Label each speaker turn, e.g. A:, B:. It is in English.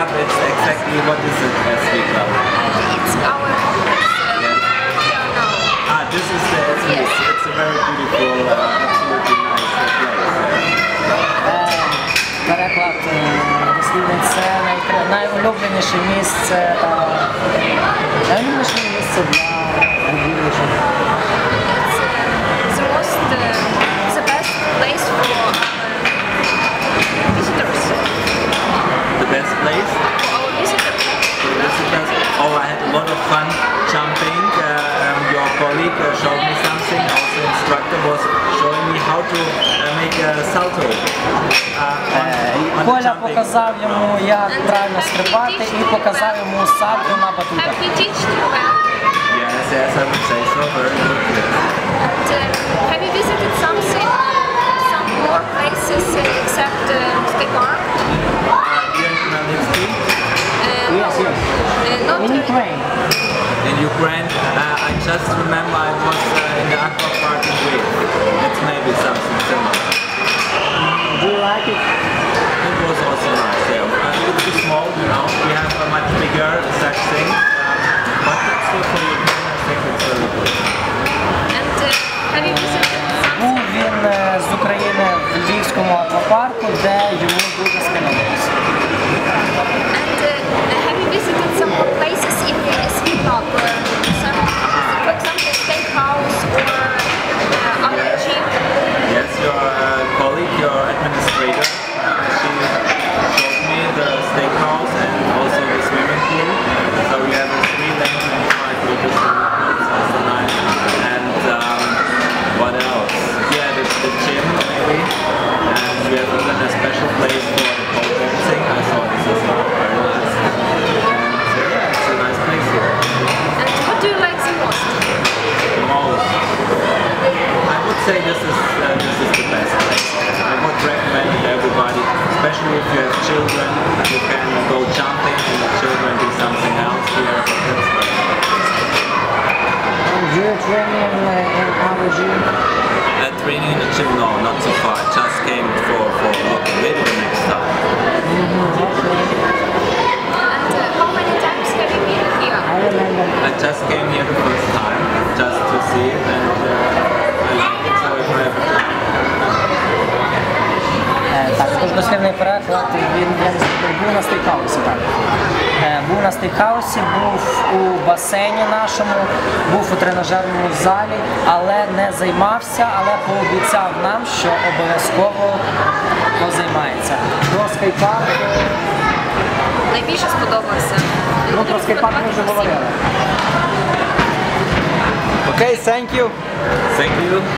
A: it's exactly what is it, SV Club?
B: It's our here now.
A: This is the SV. Yes. It's a very beautiful, absolutely nice place.
C: Переклад дослідний це найулюбленіше місце для відвідувачів.
B: The best place for visitors.
A: The best place?
B: For our visitors.
A: Oh, I had a lot of fun jumping. Your colleague showed me something. Also, instructor was showing me how to make a salto.
C: Коля показав йому, як правильно стрибати, і показав йому сальто на батутах.
A: Yes, I would say so. Very good.
B: Have you visited some more places except State Park?
A: Here in Khmelnytsky?
C: Yes. In Ukraine.
A: In Ukraine, I just remember I was in the aqua park in Lviv. It's maybe something similar.
C: Do you like it?
A: It was also nice, yeah. A little too small, you know. We have a much bigger such thing. But it's still for Ukraine, I think it's very good.
B: And have you visited
C: Був він з України в Львівському аквапарку, де йому дуже сподобалося.
B: And have you visited some more places in the SV Club? For example, steakhouse or other gym?
A: Yes, your colleague, your administrator, she showed me the steakhouse and also the swimming pool. So we have a 3 lane 25 liters swimming pool, it's also nice. And what else? Yeah, the gym maybe. And we have even a special place for the pole dancing. I saw this as well, very nice. And yeah, it's a nice place here.
B: And what do you like the most?
A: The most. I would say this is the best place. I would recommend it to everybody, especially if you have children. You can go jumping and the children do something else here. That's very nice.
C: Do you train in our gym?
A: Training in the gym, no, not so far. I just came for looking, maybe the next time.
B: And how many times have you been here?
C: I remember.
A: I just came here the first time, just to see it, and I like it, so if I have a time.
C: Також дослівний переклад, він був на стейкхаусі, так. Був на стейкхаусі, був у басейні нашому, був у тренажерному залі, але не займався, але пообіцяв нам, що обов'язково позаймається. Про скейпарк...
B: Найбільше сподобався.
C: Ну, про скейпарк ми вже говорили. Окей, thank you.
A: Thank you.